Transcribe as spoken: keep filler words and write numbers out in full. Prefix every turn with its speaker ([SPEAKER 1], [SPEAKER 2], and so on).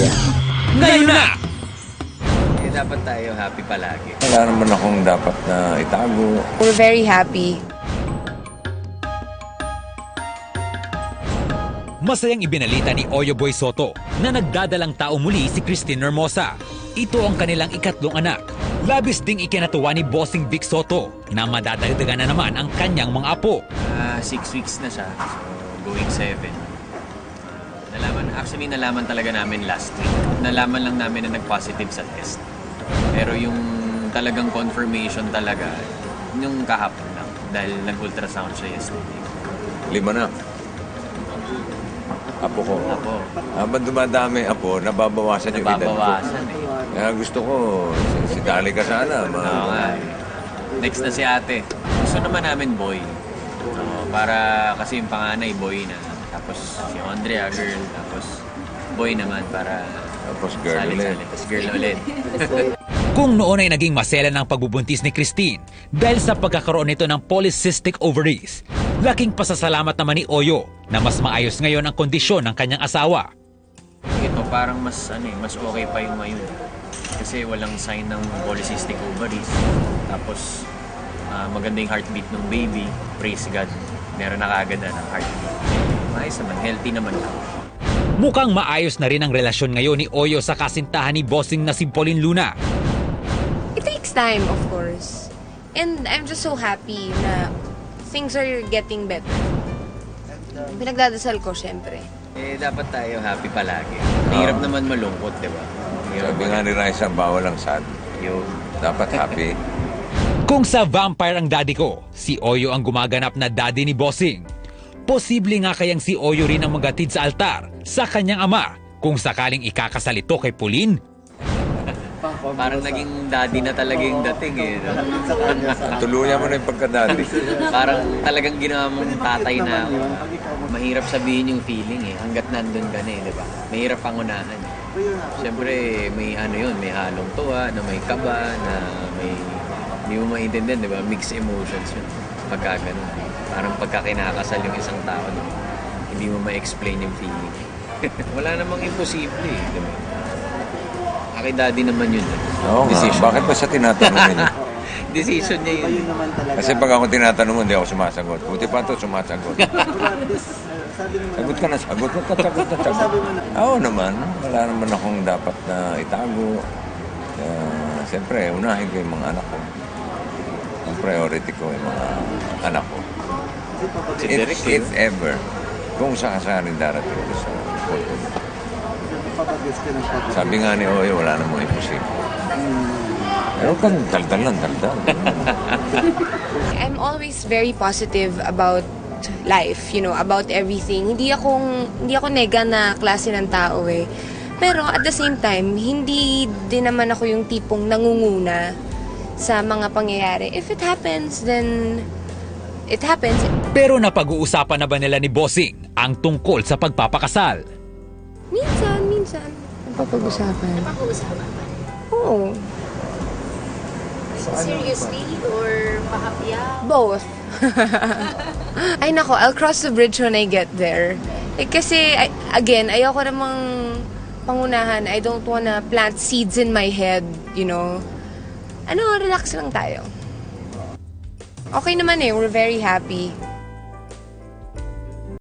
[SPEAKER 1] yan.
[SPEAKER 2] Ngayon na!
[SPEAKER 3] Eh, dapat tayo happy palagi.
[SPEAKER 4] Wala naman akong dapat na itago.
[SPEAKER 5] We're very happy.
[SPEAKER 2] Masayang ibinalita ni Oyo Boy Soto na nagdadalang tao muli si Christine Hermosa. Ito ang kanilang ikatlong anak. Labis ding ikinatuwa ni Bossing Vic Soto na madadagdagan na naman ang kanyang mga apo.
[SPEAKER 3] Ah, six weeks na siya. So, going seven. Nalaman, actually, nalaman talaga namin last week. Nalaman lang namin na nag-positive sa test. Pero yung talagang confirmation talaga, yung kahapon lang. Dahil nag-ultrasound siya yesterday.
[SPEAKER 4] Lima na. Apo ko.
[SPEAKER 3] Apo.
[SPEAKER 4] Habang dumadami apo, nababawasan yung edad ko.
[SPEAKER 3] Nababawasan eh.
[SPEAKER 4] Kaya gusto ko, si, si Dali ka sana. Ma-
[SPEAKER 3] Oo nga eh. Next na si ate. Gusto naman namin boy. Oo, para kasi yung panganay boy na. Tapos si Andrea girl. Tapos boy naman para
[SPEAKER 4] Tapos girl ulit.
[SPEAKER 3] salit-salit. Tapos girl ulit.
[SPEAKER 2] Kung noon ay naging masela ng pagbubuntis ni Christine dahil sa pagkakaroon nito ng polycystic ovaries, laking pasasalamat naman ni Oyo na mas maayos ngayon ang kondisyon ng kanyang asawa.
[SPEAKER 3] Ito parang mas ano eh, mas okay pa yung ngayon. Kasi walang sign ng polycystic ovaries. Tapos ah, maganda yung heartbeat ng baby. Praise God. Meron na kaagad na ng heartbeat. Maayos naman, healthy naman ako.
[SPEAKER 2] Mukhang maayos na rin ang relasyon ngayon ni Oyo sa kasintahan ni Bossing na si Pauline Luna.
[SPEAKER 5] It takes time, of course. And I'm just so happy na things are getting better. Pinagdadasal ko, syempre.
[SPEAKER 3] Eh, dapat tayo happy palagi. Mahirap naman malungkot, di ba? Mahirap
[SPEAKER 4] Sabi nga ni Raisa, bawal ang sad.
[SPEAKER 3] Yung
[SPEAKER 4] Dapat happy.
[SPEAKER 2] Kung sa vampire ang daddy ko, si Oyo ang gumaganap na daddy ni Bossing. Posible nga kayang si Oyo rin ang magatid sa altar sa kanyang ama kung sakaling ikakasal ito kay Pauline.
[SPEAKER 3] parang naging daddy na talaga yung dating eh. No?
[SPEAKER 4] Tuluyan mo na yung pagka-Dali.
[SPEAKER 3] Parang talagang ginawa mong tatay na ako. Mahirap sabihin yung feeling eh. Hanggat nandun ka na eh, di ba? Mahirap pangunahan. Siyempre, may ano yun, may halong tuwa, na may kaba, na may... Hindi mo maintindihan, di ba? Mixed emotions yun. Pagka ganun. Parang pagka kinakasal yung isang tao, no? Hindi mo ma-explain yung feeling. Wala namang imposible eh, di ba? Kay daddy naman yun. Eh.
[SPEAKER 4] Oo nga, bakit ba siya tinatanong niya?
[SPEAKER 3] Decision niya yun.
[SPEAKER 4] Kasi pag ako tinatanong mo, hindi ako sumasagot. Buti pa ito, sumasagot. Sagot ka na, sagot ka, sagot ka, sagot. Oo naman, wala naman akong dapat na itago. Uh, Siyempre, unahin ko yung mga anak ko. Ang priority ko yung mga anak ko.
[SPEAKER 3] Si
[SPEAKER 4] If,
[SPEAKER 3] Derek,
[SPEAKER 4] if ever, kung sakasaling darating ko sa photo. Sabi nga ni Oyo, wala namang imposible. Pero kang daldal lang, daldal.
[SPEAKER 5] I'm always very positive about life, you know, about everything. Hindi akong, hindi ako nega na klase ng tao eh. Pero at the same time, hindi din naman ako yung tipong nangunguna sa mga pangyayari. If it happens, then it happens.
[SPEAKER 2] Pero napag-uusapan na ba nila ni Bossing ang tungkol sa pagpapakasal?
[SPEAKER 5] Minsan, minsan. Napapag-usapan.
[SPEAKER 6] Napag-uusapan ba?
[SPEAKER 5] Oo.
[SPEAKER 6] Seriously? Or mahapya?
[SPEAKER 5] Both. Ay nako, I'll cross the bridge when I get there. Eh, kasi, I- again, ayoko namang pangunahan. I don't wanna plant seeds in my head, you know. Ano, relax lang tayo. Okay naman eh, we're very happy.